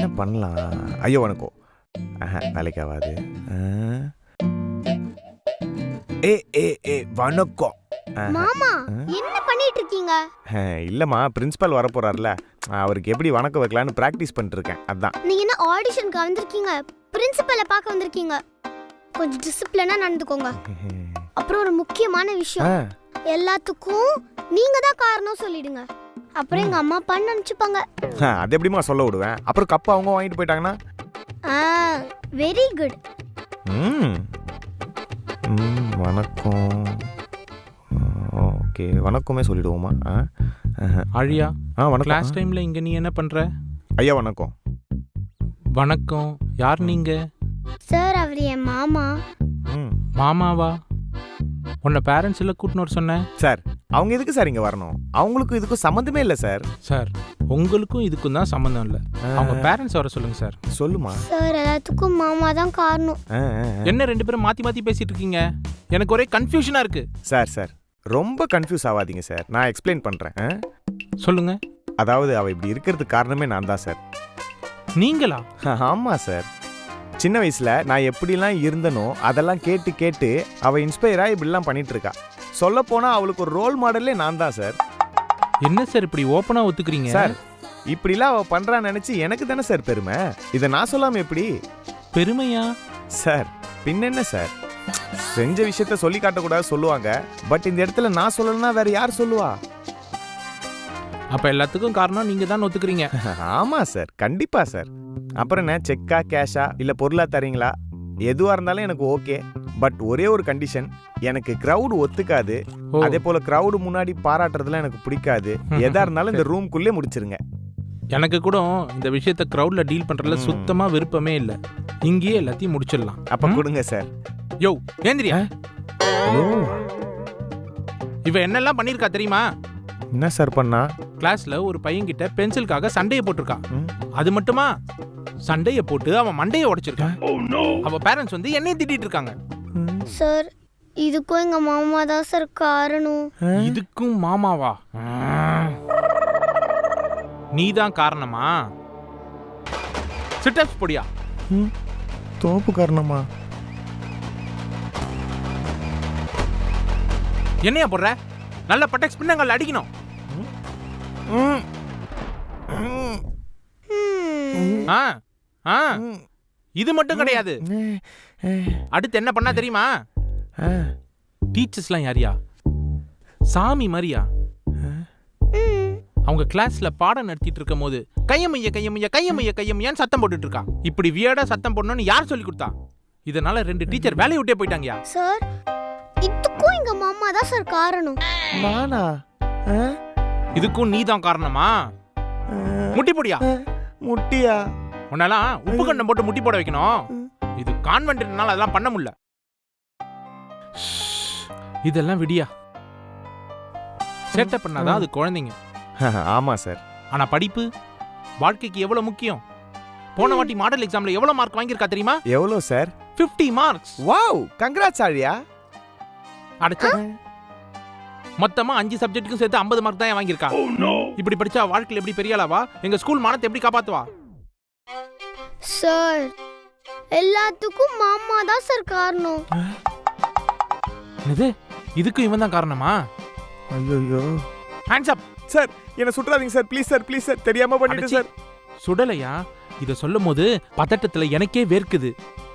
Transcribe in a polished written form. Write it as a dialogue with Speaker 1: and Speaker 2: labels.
Speaker 1: பண்ணலாம்? ஐயோ வணக்கம். வேலைக்கு ஆகாது. வணக்கம்.
Speaker 2: மாமா என்ன பண்ணிட்டு இருக்கீங்க?
Speaker 1: இல்லம்மா, பிரின்சிபல் வர போறாருல, அவருக்கு எப்படி வணக்கம் வைக்கலான்னு பிராக்டிஸ் பண்ணிட்டு இருக்கேன். அதான்.
Speaker 2: நீங்க என்ன ஆடிஷனுக்கு வந்திருக்கீங்க? பிரின்சிபலை பார்க்க வந்திருக்கீங்க. கொஞ்சம் டிசிப்ளினா நடந்துக்கோங்க. அப்புறம் ஒரு முக்கியமான விஷயம், எல்லாத்துக்கும் நீங்க தான் காரணம் சொல்லிடுங்க. அப்புறம் எங்க அம்மா அப்பா நினைச்சுப்பாங்க.
Speaker 1: அது எப்படிமா சொல்ல விடுவேன்? அப்புறம் கப்பு அவங்க வாங்கிட்டு போயிட்டாங்கன்னா?
Speaker 2: Very good.
Speaker 1: வணக்கம். ஓகே, வணக்கமே சொல்லிடுவோமா?
Speaker 3: ஆழியா,
Speaker 1: வணக்கம்.
Speaker 3: கிளாஸ் டைம்ல இங்க நீ என்ன பண்ற?
Speaker 1: ஐயா வணக்கம்.
Speaker 3: வணக்கம். யார் நீங்க?
Speaker 2: சார், அவர் என் மாமா.
Speaker 3: மாமாவா? உன்னை பேரண்ட்ஸ் எல்லாம் கூட்டின்னு வர சொன்னேன்.
Speaker 1: சார், அவங்க எதுக்கு சார் இங்க வரணும்? அவங்களுக்கும் இதுக்கும் சம்மந்தமே இல்லை சார்.
Speaker 3: சார், உங்களுக்கும் இதுக்கும் தான் சம்மந்தம் இல்லை. அவங்க பேரண்ட்ஸ் வர சொல்லுங்க சார்.
Speaker 1: சொல்லுமா?
Speaker 2: சார், எல்லாத்துக்கும் மாமா தான் காரணம்.
Speaker 3: என்ன ரெண்டு பேரும் மாத்தி மாத்தி பேசிட்டு இருக்கீங்க? எனக்கு ஒரே கன்ஃபியூஷனா இருக்கு.
Speaker 1: சார் ரொம்ப கன்ஃபியூஸ் ஆகாதீங்க சார், நான் எக்ஸ்பிளைன் பண்றேன்.
Speaker 3: சொல்லுங்க.
Speaker 1: அதாவது அவ இப்படி இருக்கிறதுக்கு காரணமே நான் தான் சார்.
Speaker 3: நீங்களா?
Speaker 1: ஆமா சார். சின்ன வயசுல நான் எப்படிலாம் இருந்தனோ அதெல்லாம் கேட்டு கேட்டு அவ இன்ஸ்பயரா இப்படிலாம் பண்ணிட்டு இருக்கா. சொல்ல போனா அவளுக்கு ஒரு ரோல் மாடலே நான் தான் சார்.
Speaker 3: என்ன சார் இப்படி ஓப்பனா ஒத்துக்கிறீங்க?
Speaker 1: சார், இப்படிலாம் அவ பண்றான்னு நினைச்சு எனக்கு தானே சார் பெருமை. இதை நான் சொல்லாம எப்படி?
Speaker 3: பெருமையா?
Speaker 1: சார், பின்ன என்ன சார், செஞ்ச விஷயத்த சொல்லி காட்டக்கூடாது சொல்லுவாங்க. பட் இந்த இடத்துல நான் சொல்லலன்னா வேற யார் சொல்லுவா?
Speaker 3: அப்ப எல்லாத்துக்கும் காரணம் நீங்க தான் ஒத்துக்கிறீங்க.
Speaker 1: ஆமா சார், கண்டிப்பா சார். அப்புறம் என்ன, செக்கா கேஷா இல்ல பொருளா தரீங்களா? எதுவா இருந்தாலும் எனக்கு ஓகே. பட் ஒரே ஒரு கண்டிஷன், எனக்கு கிரவுட் ஒத்துக்காது. அதே போல கிரவுட் முன்னாடி பாராட்டுறதுலாம் எனக்கு பிடிக்காது. எதா இருந்தாலும் இந்த ரூம்குள்ளே முடிச்சிருங்க.
Speaker 3: எனக்கு கூட இந்த விஷயத்த கிரவுட்ல டீல் பண்றதுல சுத்தமா விருப்பமே இல்ல. இங்கேயே எல்லாத்தையும் முடிச்சிடலாம்.
Speaker 1: அப்ப கொடுங்க சார்.
Speaker 3: யோ ஏந்திரியா. இவ என்னெல்லாம் பண்ணிருக்கா தெரியுமா?
Speaker 1: என்ன சார் பண்ணா?
Speaker 3: கிளாஸ்ல ஒரு பையன்கிட்ட பென்சிலுக்காக சண்டையை போட்டிருக்கா. அது மட்டுமா, சண்டையை போட்டு அவன் மண்டையை உடைச்சிருக்கான். அவ பேரண்ட்ஸ் வந்து என்னைய திட்டிட்டு இருக்காங்க.
Speaker 2: சார், இதுக்கும் எங்க மாமா தான் சார் காரணம்.
Speaker 3: இதுக்கும் மாமாவா? நீதான் காரணமா? சிட்டப்ஸ் பொடியா?
Speaker 1: தோப்பு காரணமா?
Speaker 3: என்னையா போடுற? நல்ல பட்டெக்ஸ் பின்னங்கள் அடிக்கணும். இது மட்டும் கிடையாது. அடுத்து என்ன பண்ணா தெரியுமா? டீச்சர்ஸ்லாம் யாரியா? சாமி மாதிரியா? அவங்க கிளாஸ்ல பாடம் நடத்திட்டு இருக்கும் போது கையமைய கையமைய கையமைய கையமையான்னு சத்தம் போட்டுட்டு இருக்கா. இப்படி வியர்டா சத்தம் போடணும்னு யார் சொல்லி கொடுத்தா? இதனால 2 டீச்சர் வேலையை விட்டே போயிட்டாங்கயா.
Speaker 2: சார், இதுக்கும் எங்க மாமா தான் சார் காரணம்.
Speaker 1: நானா?
Speaker 3: இதுக்கும் நீ தான் காரணமா? முட்டி போடியா?
Speaker 1: முட்டியா?
Speaker 3: உன்னாலாம் உப்பு கண்டம் போட்டு முட்டி போட வைக்கணும். இது கான்வென்ட்னால அதெல்லாம் பண்ண முடியல. இதெல்லாம் விடியா. சேட்டை பண்ணாதான் அது குழந்தைங்க.
Speaker 1: ஆமா சார்.
Speaker 3: ஆனா படிப்பு வாழ்க்கைக்கு எவ்வளவு முக்கியம். போன வாட்டி மாடல் எக்ஸாம்ல எவ்வளவு மார்க் வாங்கியிருக்கா தெரியுமா?
Speaker 1: எவ்வளவு சார்?
Speaker 3: 50 மார்க்ஸ்.
Speaker 1: வாவ், கங்க்ராட்ஸ் ஆழியா.
Speaker 3: அடச்சே, மொத்தமா 5 சப்ஜெக்ட்டுக்கும் சேர்த்து 50 மார்க் தான் வாங்கியிருக்கா. இப்படி படிச்சா வாழ்க்கையில எப்படி பெரிய ஆளாவா? எங்க ஸ்கூல் மானத்தை எப்படி காப்பாத்துவா?
Speaker 2: சார், எல்லாத்துக்கும் மாமா தான் சார் காரணம்.
Speaker 3: இது இதுக்கும் இவன் தான் காரணமா?
Speaker 1: ஐயோ,
Speaker 3: ஹேண்ட்ஸ் அப்.
Speaker 1: சார், என்ன சுற்றாதீங்க sir, please sir, please sir, தெரியாம பண்ணிட்டேன் சார்.
Speaker 3: சுடலையா? இத சொல்லும் போது பதட்டத்துல எனக்கே வேர்க்குது.